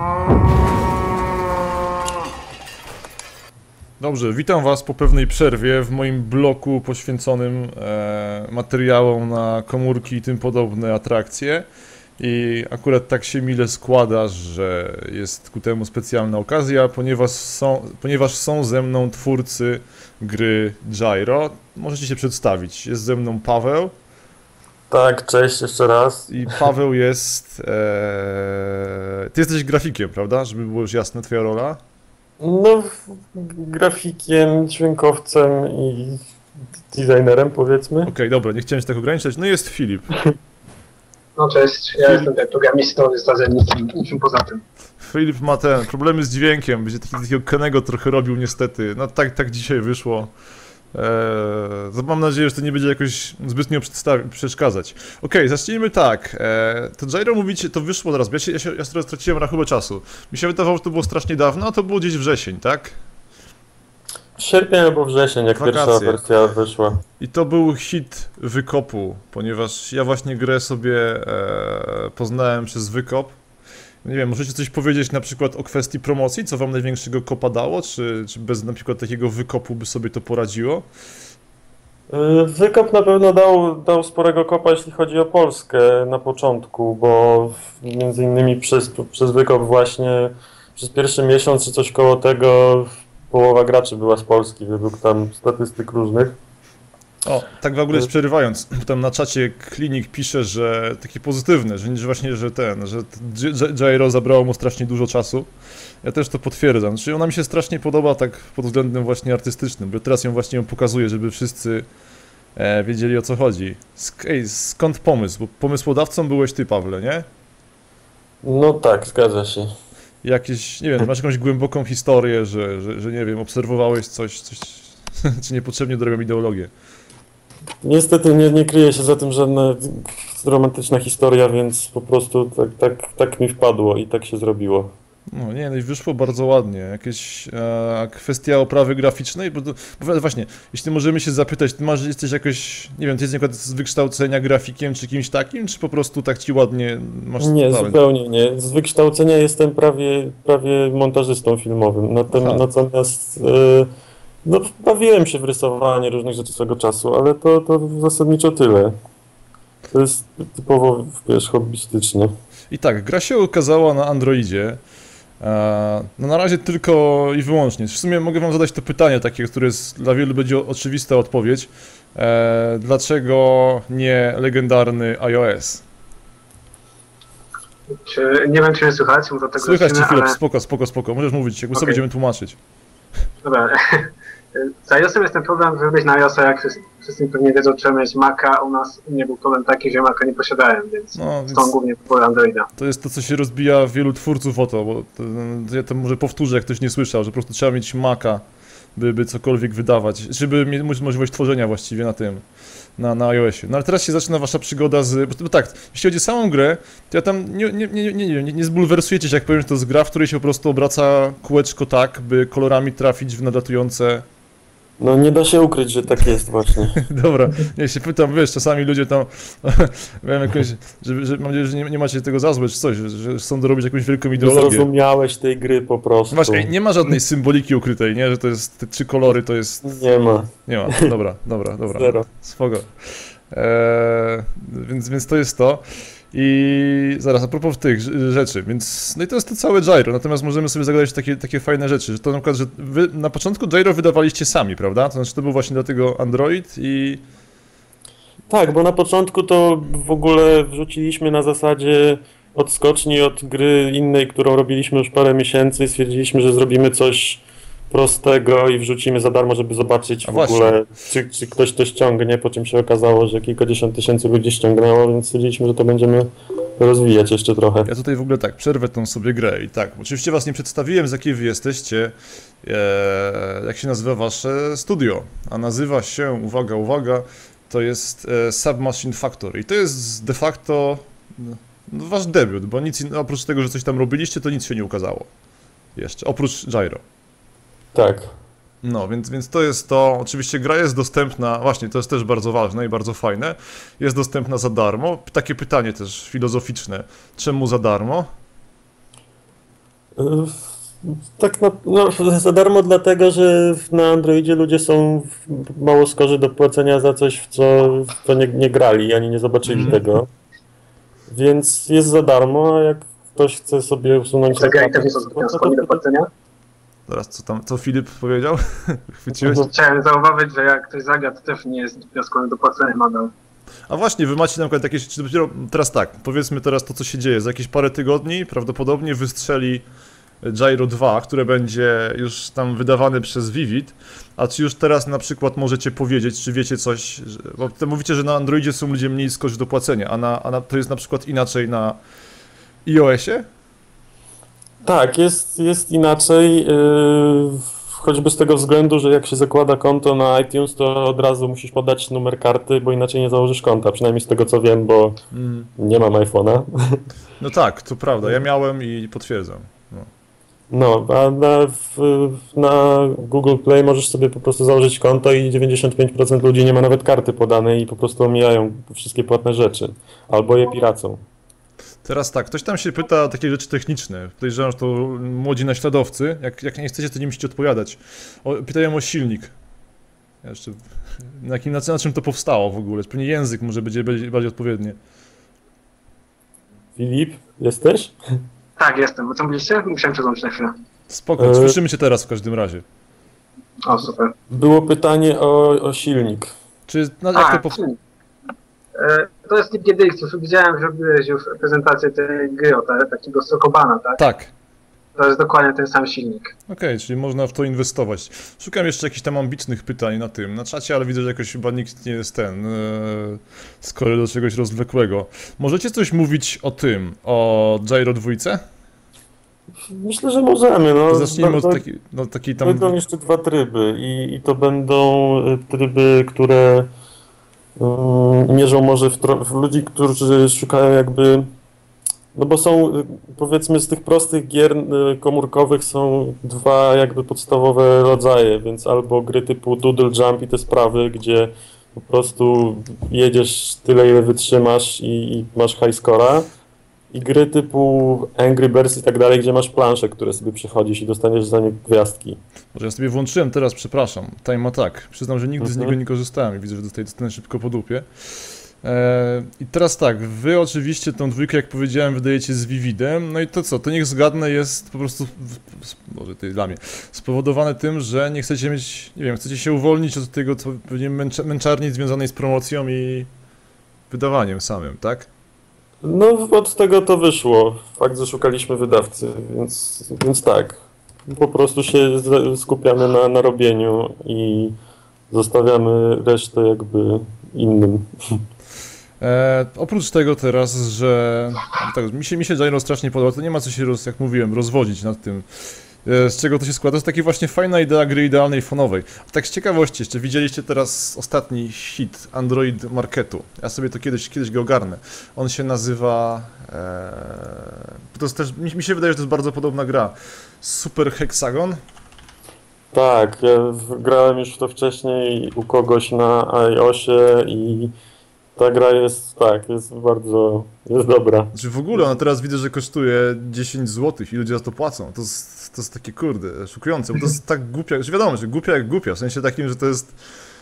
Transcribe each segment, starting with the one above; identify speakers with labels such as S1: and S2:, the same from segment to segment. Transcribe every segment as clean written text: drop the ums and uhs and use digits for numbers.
S1: Dobrze, witam was po pewnej przerwie w moim bloku poświęconym materiałom na komórki i tym podobne atrakcje. I akurat tak się mile składa, że jest ku temu specjalna okazja, ponieważ są ze mną twórcy gry Gyro. Możecie się przedstawić. Jest ze mną Paweł.
S2: Tak, cześć jeszcze raz.
S1: I Paweł jest... Ty jesteś grafikiem, prawda? Żeby było już jasne, twoja rola?
S2: No, grafikiem, dźwiękowcem i designerem, powiedzmy.
S1: Okej, dobra, nie chciałem się tak ograniczać. No jest Filip.
S3: No cześć, ja jestem programistą, jest niczym poza tym.
S1: Filip ma problemy z dźwiękiem, będzie takiego Kenego trochę robił niestety. No tak dzisiaj wyszło. Mam nadzieję, że to nie będzie jakoś zbytnio przeszkadzać. Okej, zacznijmy tak. To Gyro mówicie, to wyszło teraz, ja teraz straciłem rachubę czasu. Mi się wydawało, że to było strasznie dawno, a to było gdzieś wrzesień, tak?
S2: Sierpień albo wrzesień, jak pierwsza wersja wyszła.
S1: I to był hit wykopu, ponieważ ja właśnie grę sobie poznałem przez wykop. Nie wiem, możecie coś powiedzieć na przykład o kwestii promocji, co wam największego kopa dało, czy bez na przykład takiego wykopu by sobie to poradziło?
S2: Wykop na pewno dał sporego kopa, jeśli chodzi o Polskę na początku, bo między innymi przez wykop właśnie przez pierwszy miesiąc czy coś koło tego połowa graczy była z Polski, według tam statystyk różnych.
S1: O, tak w ogóle przerywając, tam na czacie Klinik pisze, że takie pozytywne, że właśnie, że Gyro zabrało mu strasznie dużo czasu. Ja też to potwierdzam, czyli ona mi się strasznie podoba tak pod względem właśnie artystycznym, bo teraz ją pokazuję, żeby wszyscy wiedzieli o co chodzi. Skąd pomysł? Bo pomysłodawcą byłeś ty, Pawle, nie?
S2: No tak, zgadza się.
S1: Jakieś, nie wiem, masz jakąś głęboką historię, że nie wiem, obserwowałeś coś czy niepotrzebnie dorobią ideologię?
S2: Niestety nie kryje się za tym żadna romantyczna historia, więc po prostu tak mi wpadło i tak się zrobiło.
S1: No nie, no i wyszło bardzo ładnie. Jakieś kwestia oprawy graficznej, bo właśnie, jeśli możemy się zapytać, ty jesteś jakoś, nie wiem, ty jesteś z wykształcenia grafikiem czy kimś takim, czy po prostu tak ci ładnie masz
S2: Nie,
S1: talent?
S2: zupełnie nie. Z wykształcenia jestem prawie montażystą filmowym, natomiast no, bawiłem się w rysowanie różnych rzeczy swego czasu, ale to zasadniczo tyle. To jest typowo, wiesz, hobbystycznie.
S1: I tak, gra się ukazała na Androidzie. No na razie tylko i wyłącznie. W sumie mogę wam zadać to pytanie takie, które dla wielu będzie oczywista odpowiedź. Dlaczego nie legendarny iOS?
S3: Nie wiem, czy mnie słychać, bo do tego
S1: Słychać cię, Filip,
S3: ale...
S1: spoko, możesz mówić, jakby sobie będziemy tłumaczyć.
S3: Dobra. Z iOS-em jest ten problem, żeby wejść na iOS-a, jak wszyscy pewnie wiedzą, trzeba mieć Maca, u nas nie był problem taki, że Maca nie posiadałem, więc stąd głównie kupuję Androida.
S1: To jest to, co się rozbija wielu twórców o to, bo ja to może powtórzę, jak ktoś nie słyszał, że po prostu trzeba mieć Maca, by cokolwiek wydawać, żeby mieć możliwość tworzenia właściwie na tym, na iOSie. No ale teraz się zaczyna wasza przygoda bo tak, jeśli chodzi o samą grę, to ja tam nie zbulwersujecie się, jak powiem, że to jest gra, w której się po prostu obraca kółeczko tak, by kolorami trafić w nadlatujące...
S2: No nie da się ukryć, że tak jest właśnie.
S1: Dobra, ja się pytam, wiesz, czasami ludzie tam, wiem jakoś, mam nadzieję, że nie macie tego za złe czy coś, że chcą dorobić jakąś wielką ideologię.
S2: Nie zrozumiałeś tej gry po prostu.
S1: Właśnie, nie ma żadnej symboliki ukrytej, nie, że to jest, te 3 kolory to jest...
S2: Nie ma.
S1: Nie ma, dobra.
S2: Zero.
S1: Spoko. Więc to jest to. I zaraz, a propos tych rzeczy, więc, no i to jest to całe Gyro, natomiast możemy sobie zagadać takie fajne rzeczy, że to na przykład, że wy na początku Gyro wydawaliście sami, prawda? To znaczy to był właśnie dlatego Android i...
S2: Tak, bo na początku to w ogóle wrzuciliśmy na zasadzie odskoczni od gry innej, którą robiliśmy już parę miesięcy i stwierdziliśmy, że zrobimy coś prostego i wrzucimy za darmo, żeby zobaczyć w ogóle, czy ktoś to ściągnie, po czym się okazało, że kilkadziesiąt tysięcy ludzi ściągnęło, więc stwierdziliśmy, że to będziemy rozwijać jeszcze trochę.
S1: Ja tutaj w ogóle tak, przerwę tą sobie grę i tak, oczywiście was nie przedstawiłem, z jakiej wy jesteście, jak się nazywa wasze studio, a nazywa się, uwaga, to jest Submachine Factory i to jest de facto wasz debiut, bo nic oprócz tego, że coś tam robiliście, to nic się nie ukazało jeszcze, oprócz Gyro.
S2: Tak.
S1: No, więc to jest to. Oczywiście gra jest dostępna, właśnie to jest też bardzo ważne i bardzo fajne. Jest dostępna za darmo. Takie pytanie też filozoficzne. Czemu za darmo?
S2: Tak za darmo dlatego, że na Androidzie ludzie są mało skorzy do płacenia za coś, w co nie grali, ani nie zobaczyli tego. Więc jest za darmo, a jak ktoś chce sobie usunąć...
S3: Zagraj też nie są zbytnio skłonni do płacenia?
S1: Zaraz, co Filip powiedział? Chwyciłeś?
S3: Chciałem zauważyć, że jak ktoś zagra, to też nie jest zbytnio skłonny do płacenia nadal.
S1: A właśnie, wy macie na przykład jakieś, czy dopiero teraz tak, powiedzmy teraz to, co się dzieje, za jakieś parę tygodni prawdopodobnie wystrzeli Gyro 2, które będzie już tam wydawane przez Vivid, a czy już teraz na przykład możecie powiedzieć, czy wiecie coś, bo mówicie, że na Androidzie są ludzie mniej skorzy do płacenia, a to jest na przykład inaczej na iOSie?
S2: Tak, jest inaczej, choćby z tego względu, że jak się zakłada konto na iTunes, to od razu musisz podać numer karty, bo inaczej nie założysz konta, przynajmniej z tego co wiem, bo nie mam iPhone'a.
S1: No tak, to prawda, ja miałem i potwierdzam.
S2: No, a na Google Play możesz sobie po prostu założyć konto i 95% ludzi nie ma nawet karty podanej i po prostu omijają wszystkie płatne rzeczy, albo je piracą.
S1: Teraz tak, ktoś tam się pyta o takie rzeczy techniczne. Podejrzewam, że to młodzi naśladowcy. Jak nie chcecie, to nie musicie odpowiadać. Pytają o silnik. Jeszcze, na czym to powstało w ogóle? Pewnie język może będzie bardziej odpowiedni.
S2: Filip, jesteś?
S3: Tak, jestem. Co mówiliście? Musiałem przełączyć na chwilę.
S1: Spoko, słyszymy cię teraz w każdym razie.
S3: O, super.
S2: Było pytanie o silnik.
S1: Czy, jak to
S3: silnik. To jest typ GDX. Widziałem, że robiłeś już prezentację tej gry, takiego Sokobana, tak?
S1: Tak.
S3: To jest dokładnie ten sam silnik.
S1: Okej, czyli można w to inwestować. Szukam jeszcze jakichś tam ambitnych pytań na czacie, ale widzę, że jakoś chyba nikt nie jest skory do czegoś rozwlekłego. Możecie coś mówić o Gyro 2?
S2: Myślę, że możemy. No,
S1: to zacznijmy od takiej tam...
S2: Będą jeszcze dwa tryby i to będą tryby, które mierzą może w ludzi, którzy szukają jakby... No bo są, powiedzmy, z tych prostych gier komórkowych są dwa jakby podstawowe rodzaje, więc albo gry typu Doodle Jump i te sprawy, gdzie po prostu jedziesz tyle, ile wytrzymasz i masz high scora, i gry typu Angry Birds i tak dalej, gdzie masz plansze, które sobie przechodzisz i dostaniesz za nie gwiazdki.
S1: Może ja sobie włączyłem teraz, przepraszam, Time Attack. Przyznam, że nigdy z niego nie korzystałem i widzę, że dostanę szybko po dupie. I teraz tak, wy oczywiście tą dwójkę, jak powiedziałem, wydajecie z Vividem, no i to co, to niech zgadnę jest po prostu, może to jest dla mnie, spowodowane tym, że nie chcecie mieć, nie wiem, chcecie się uwolnić od tego, co pewnie męczarni związanej z promocją i wydawaniem samym, tak?
S2: No od tego to wyszło, fakt, że szukaliśmy wydawcy, więc tak, po prostu się skupiamy na robieniu i zostawiamy resztę jakby innym.
S1: Oprócz tego teraz, że tak, mi się Gyro strasznie podoba, to nie ma co się, jak mówiłem, rozwodzić nad tym, z czego to się składa. To jest taka właśnie fajna idea gry idealnej fonowej. Tak z ciekawości, jeszcze widzieliście teraz ostatni hit Android Marketu. Ja sobie to kiedyś go ogarnę. On się nazywa... to jest też, mi się wydaje, że to jest bardzo podobna gra. Super Hexagon.
S2: Tak, ja grałem już w to wcześniej u kogoś na iOSie i ta gra jest jest dobra.
S1: Znaczy w ogóle ona teraz widzę, że kosztuje 10 zł i ludzie za to płacą. To jest takie kurde, szokujące, bo to jest tak głupia, że wiadomo, że głupia jak głupia, w sensie takim, że to jest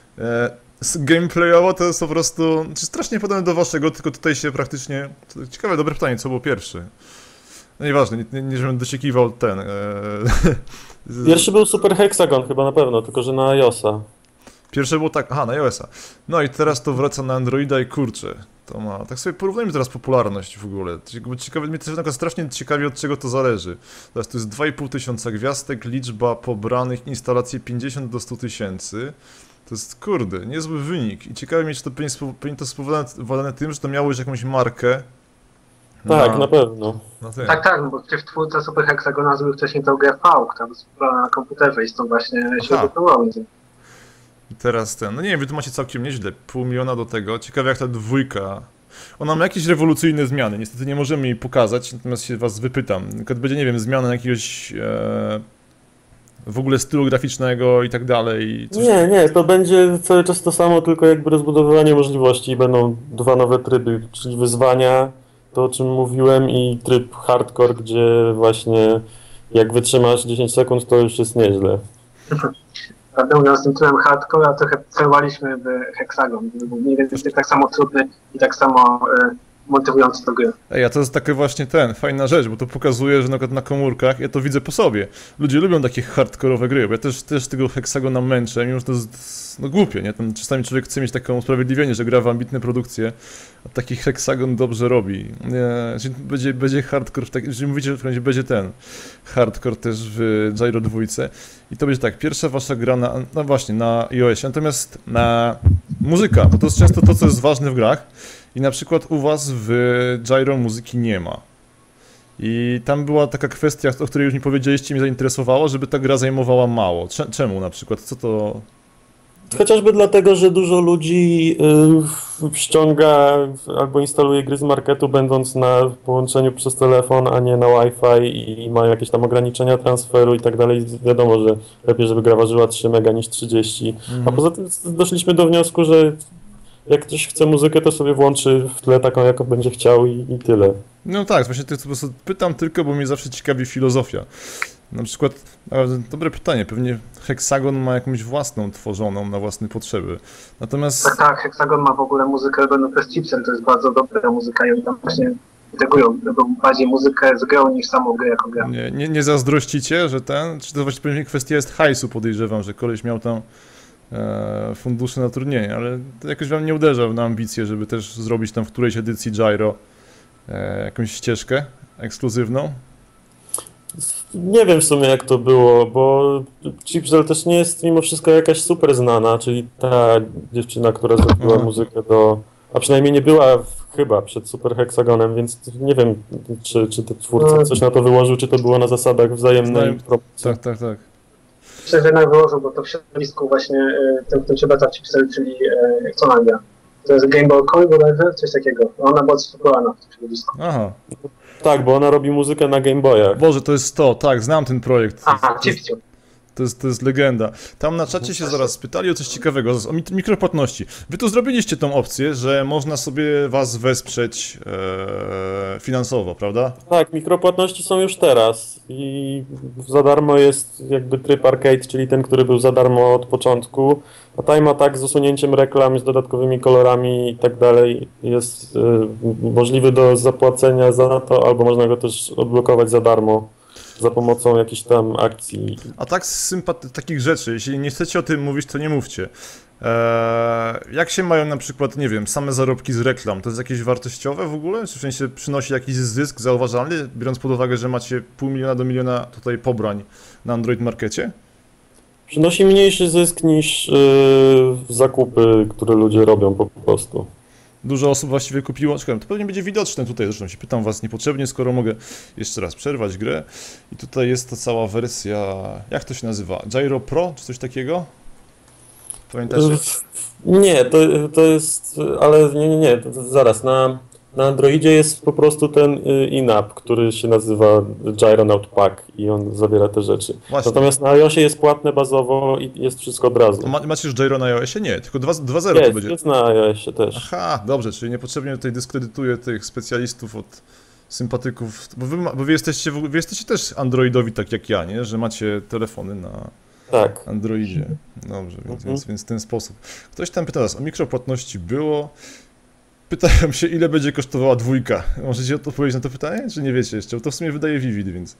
S1: gameplayowo to jest po prostu strasznie podobne do waszego, tylko tutaj się praktycznie, ciekawe, dobre pytanie, co było pierwszy. No nieważne, nie żebym dosiekiwał ten.
S2: Pierwszy był Super Hexagon chyba na pewno, tylko że na iOSa.
S1: Pierwsze było tak, na iOSa. No i teraz to wraca na Androida i kurczę, to ma, tak sobie porównajmy teraz popularność w ogóle. Ciekawe, mnie też strasznie ciekawi, od czego to zależy. Teraz to jest 2500 gwiazdek, liczba pobranych instalacji 50 do 100 tysięcy. To jest, kurde, niezły wynik. I ciekawe mnie, czy to powinno to spowodowane tym, że to miało już jakąś markę.
S2: Tak, na pewno.
S3: Tak, no bo w twórca Super Hexagona zrobił wcześniej tą grę V, która była na komputerze i stąd właśnie się wypływało.
S1: I teraz no nie wiem, wy tu macie całkiem nieźle, 500 000 do tego. Ciekawe jak ta dwójka. Ona ma jakieś rewolucyjne zmiany, niestety nie możemy jej pokazać, natomiast się was wypytam. Będzie, nie wiem, zmiana jakiegoś w ogóle stylu graficznego i tak dalej. Coś...
S2: Nie, to będzie cały czas to samo, tylko jakby rozbudowywanie możliwości. Będą dwa nowe tryby, czyli wyzwania, to o czym mówiłem, i tryb hardcore, gdzie właśnie jak wytrzymasz 10 sekund, to już jest nieźle.
S3: Prawdę mówiąc, tym tyłem hardcore, a trochę celowaliśmy w Hexagon, który był mniej więcej tak samo trudny i tak samo motywujący do gry.
S1: Ej, a to jest taka właśnie fajna rzecz, bo to pokazuje, że na komórkach, ja to widzę po sobie. Ludzie lubią takie hardkorowe gry, bo ja też tego Hexagona męczę, mimo że to jest głupie, nie? Tam czasami człowiek chce mieć takie usprawiedliwienie, że gra w ambitne produkcje, a taki Hexagon dobrze robi. Będzie hardcore, jeżeli mówicie, że będzie hardcore też w Gyro 2 i to będzie tak, pierwsza wasza gra no właśnie, na iOSie, natomiast na muzyka, bo to jest często to, co jest ważne w grach. I na przykład u was w Gyro muzyki nie ma. I tam była taka kwestia, o której już mi powiedzieliście, mnie zainteresowało, żeby ta gra zajmowała mało. Czemu na przykład? Co to...
S2: Chociażby dlatego, że dużo ludzi ściąga albo instaluje gry z marketu, będąc na połączeniu przez telefon, a nie na Wi-Fi i ma jakieś tam ograniczenia transferu i tak dalej. Wiadomo, że lepiej, żeby gra ważyła 3 mega niż 30. A poza tym doszliśmy do wniosku, że jak ktoś chce muzykę, to sobie włączy w tle taką, jaką będzie chciał i tyle.
S1: No tak, właśnie po prostu pytam tylko, bo mnie zawsze ciekawi filozofia. Na przykład, dobre pytanie, pewnie Hexagon ma jakąś własną tworzoną na własne potrzeby. Natomiast...
S3: Tak, Hexagon ma w ogóle muzykę robioną przez Chipsel, to jest bardzo dobra muzyka i oni tam właśnie integują bardziej muzykę z grą niż samą grę jako grę.
S1: Nie zazdrościcie, że czy to właśnie pewnie kwestia jest hajsu, podejrzewam, że koleś miał tam fundusze na turnieje, ale to jakoś wam nie uderza na ambicje, żeby też zrobić tam w którejś edycji Gyro jakąś ścieżkę ekskluzywną?
S2: Nie wiem w sumie jak to było, bo Chipsel też nie jest mimo wszystko jakaś super znana, czyli ta dziewczyna, która zrobiła muzykę a przynajmniej nie była chyba przed Super Hexagonem, więc nie wiem, czy ten twórca coś na to wyłożył, czy to było na zasadach wzajemnej promocji.
S1: Tak.
S3: Myślę, że jednak wyłożył, bo to w środowisku właśnie tym się beta Chipsel, czyli co ona gra? To jest Game Boy Color bodajże? Coś takiego. Ona była popularna w tym środowisku.
S1: Aha.
S2: Tak, bo ona robi muzykę na Game Boyach.
S1: Boże, to jest tak, znam ten projekt.
S3: Chipsel.
S1: To jest legenda. Tam na czacie się zaraz spytali o coś ciekawego, o mikropłatności. Wy tu zrobiliście tą opcję, że można sobie was wesprzeć finansowo, prawda?
S2: Tak, mikropłatności są już teraz i za darmo jest jakby tryb arcade, czyli ten, który był za darmo od początku. A Time Attack z usunięciem reklam, z dodatkowymi kolorami i tak dalej jest możliwy do zapłacenia za to, albo można go też odblokować za darmo za pomocą jakichś tam akcji. A
S1: tak z takich rzeczy, jeśli nie chcecie o tym mówić, to nie mówcie. Jak się mają na przykład, nie wiem, same zarobki z reklam? To jest jakieś wartościowe w ogóle? Czy w sensie przynosi jakiś zysk zauważalny, biorąc pod uwagę, że macie 0,5 miliona do miliona tutaj pobrań na Android Markecie?
S2: Przynosi mniejszy zysk niż zakupy, które ludzie robią po prostu.
S1: Dużo osób właściwie kupiło, czekam, to pewnie będzie widoczne tutaj, zresztą się pytam was niepotrzebnie, skoro mogę jeszcze raz przerwać grę. I tutaj jest to cała wersja, jak to się nazywa? Gyro Pro, czy coś takiego? Pamiętacie?
S2: Nie, to jest, ale nie, zaraz, na Androidzie jest po prostu ten in-app, który się nazywa Gyronaut Pack i on zawiera te rzeczy. Właśnie. Natomiast na iOSie jest płatne bazowo i jest wszystko od razu.
S1: Macie już Gyro na iOSie? Nie, tylko 2.0 to będzie.
S2: Jest na iOSie też.
S1: Aha, dobrze, czyli niepotrzebnie tutaj dyskredytuję tych specjalistów od sympatyków, bo wy jesteście też androidowi tak jak ja, nie? Że macie telefony na Androidzie. Dobrze, więc w ten sposób. Ktoś tam pyta nas, o mikropłatności było. Pytają się, ile będzie kosztowała 2. Możecie odpowiedzieć na to pytanie, czy nie wiecie jeszcze? Bo to w sumie wydaje Vivid, więc...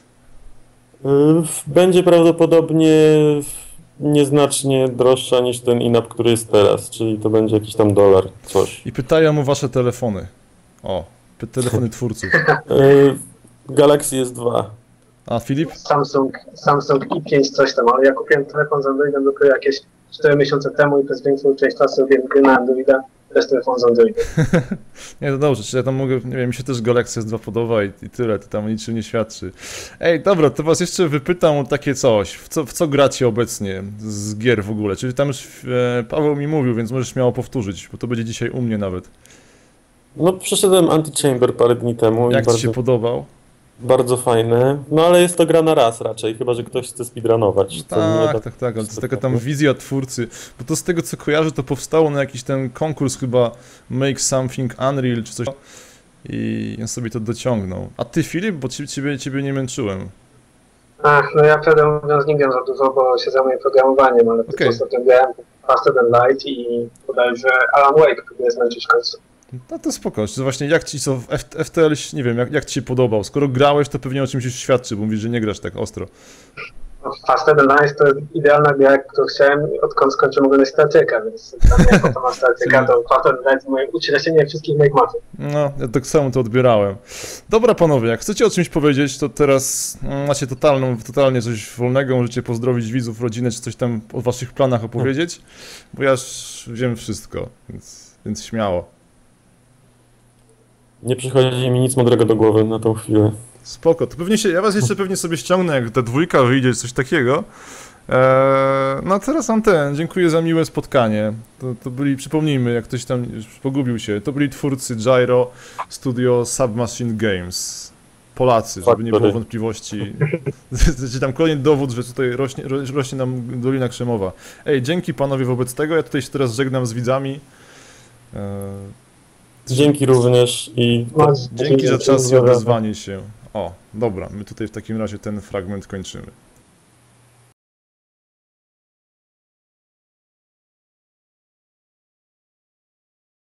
S2: Będzie prawdopodobnie nieznacznie droższa niż ten in-app, który jest teraz, czyli to będzie jakiś tam $, coś.
S1: I pytają o wasze telefony. O, telefony twórców.
S2: Galaxy S2.
S1: A Filip?
S3: Samsung i5 coś tam, ale ja kupiłem telefon z Androidem dopiero jakieś 4 miesiące temu i przez większą część czasu robiłem gry na Androida. Bez telefonu z Androidem.
S1: Nie, to dobrze, czy ja tam mogę, nie wiem, mi się też Galaxy S2 podoba i tyle, to tam o niczym nie świadczy. Ej, dobra, to was jeszcze wypytam o takie coś, w co gracie obecnie z gier w ogóle, czyli tam już Paweł mi mówił, więc możesz śmiało powtórzyć, bo to będzie dzisiaj u mnie nawet.
S2: No, przeszedłem Antichamber parę dni temu.
S1: Jak ci się podobał?
S2: Bardzo fajne, no ale jest to gra na raz raczej, chyba że ktoś chce speedrunować.
S1: Tak, ale to jest taka tam wizja twórcy, bo to z tego co kojarzę, to powstało na jakiś ten konkurs chyba Make Something Unreal czy coś i on sobie to dociągnął. A ty Filip, bo ciebie nie męczyłem.
S3: No ja prawdę mówiąc nie gram za dużo, bo się zajmuję programowaniem, ale po prostu grałem Faster Than Light i bodajże Alan Wake próbuję znaleźć w końcu.
S1: No to spoko, to właśnie jak ci co FTL, nie wiem, jak ci się podobał? Skoro grałeś, to pewnie o czymś już świadczy, bo mówisz, że nie grasz tak ostro.
S3: Faster Than Light to idealna gra, którą chciałem, odkąd skończyłem oglądać Star Treka, więc dla mnie po to ma Star Treka, to Faster Than Light moje ucieleśnienie wszystkich moich mocy.
S1: No, ja tak samo to odbierałem. Dobra panowie, jak chcecie o czymś powiedzieć, to teraz macie totalnie coś wolnego, możecie pozdrowić widzów, rodzinę, czy coś tam o waszych planach opowiedzieć, bo ja już wiem wszystko, więc śmiało. Nie
S2: przychodzi mi nic mądrego do głowy na tą chwilę.
S1: Spoko, to pewnie ja was jeszcze pewnie sobie ściągnę, jak ta dwójka wyjdzie, coś takiego. No a teraz mam dziękuję za miłe spotkanie. To byli, przypomnijmy, jak ktoś tam już pogubił się, to byli twórcy Gyro Studio Submachine Games. Polacy, żeby nie było wątpliwości. Tam kolejny dowód, że tutaj rośnie nam Dolina Krzemowa. Ej, dzięki panowie wobec tego, ja tutaj się teraz żegnam z widzami.
S2: Dzięki również i...
S1: Dzięki za czas i odezwanie się. O, dobra, my tutaj w takim razie ten fragment kończymy.